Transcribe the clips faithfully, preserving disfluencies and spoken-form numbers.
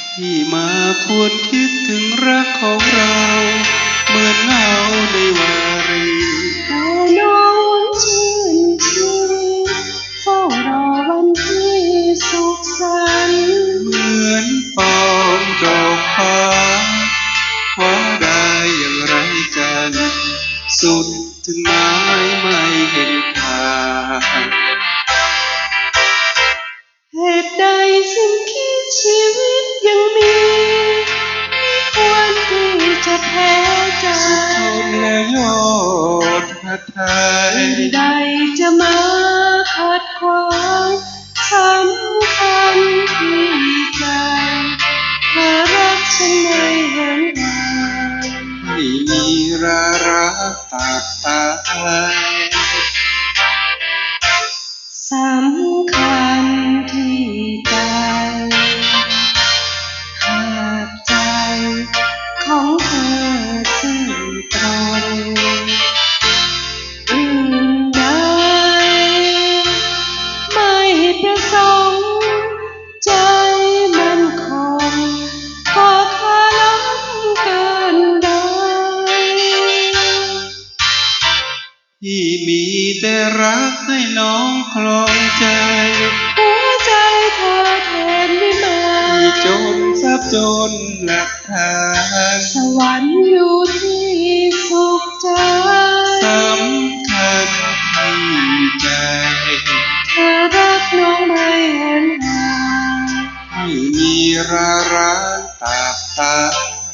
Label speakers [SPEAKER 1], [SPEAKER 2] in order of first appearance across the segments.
[SPEAKER 1] ที่มาควรคิดถึงรักของเราเหมือนเงาในวารี
[SPEAKER 2] แต่น้องชื่นชีวิตเฝ้ารอวันที่สุขสันต์
[SPEAKER 1] เหมือนปองดอกฟ้าคว้าได้อย่างไรกัน สุดถึงไม้ไม่เห็นค่า
[SPEAKER 2] เหตุใดสิ่งคิดชีวิตยังมีไม่ควรที่จะแพ้ใจ
[SPEAKER 1] สุดทนและยอดพระทัย
[SPEAKER 2] ใดจะมาขัดขวางสำคัญที่ใจเธอรักฉันไม่เห็นหา
[SPEAKER 1] ไม่มีรารักตาตาย
[SPEAKER 2] สำคัญที่ใจหากใจของเธอซื่อตรงอื่นใดไม่ประสงค์ใจมันคงก็คาล้ำเกินใด
[SPEAKER 1] ที่มีแต่รักให้น้องคลองใจ
[SPEAKER 2] หัวใจเธอแทนวิมาน
[SPEAKER 1] ที่จนทรัพย์จนหลักฐาน
[SPEAKER 2] สวรรค์อยู่ที่สุขใจ
[SPEAKER 1] สำคัญที่ใจ
[SPEAKER 2] เธอรักน้องไม่เห็นหา
[SPEAKER 1] ไม่มีรารักตาตาย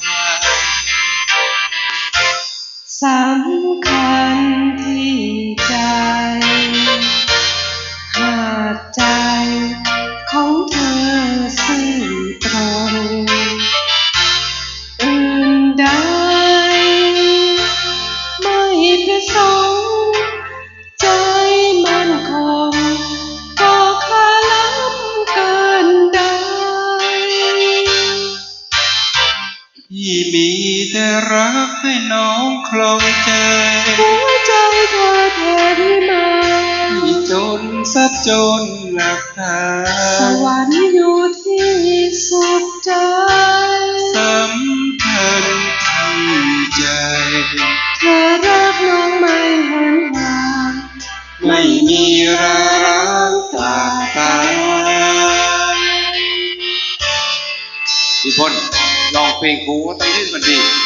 [SPEAKER 2] สำคัญที่ใจหากใจของเธอซื่อตรงอื่นใดไม่ประสงค์ใจมันคงก็คาล้ำเกินใด
[SPEAKER 1] ที่มีแต่รักให้น้องคลองใจ
[SPEAKER 2] หัวใจเธอแทนวิมาน
[SPEAKER 1] ที่จนทรัพย์จนหลักฐา
[SPEAKER 2] นสวรรค์อยู่ที่สุขใจ
[SPEAKER 1] สำคัญที่ใจ
[SPEAKER 2] เธอรักน้องไม่เห็นหา
[SPEAKER 1] ไม่มีรารักตาตายพี่พลลองเพลงครูตั้งที่มันดี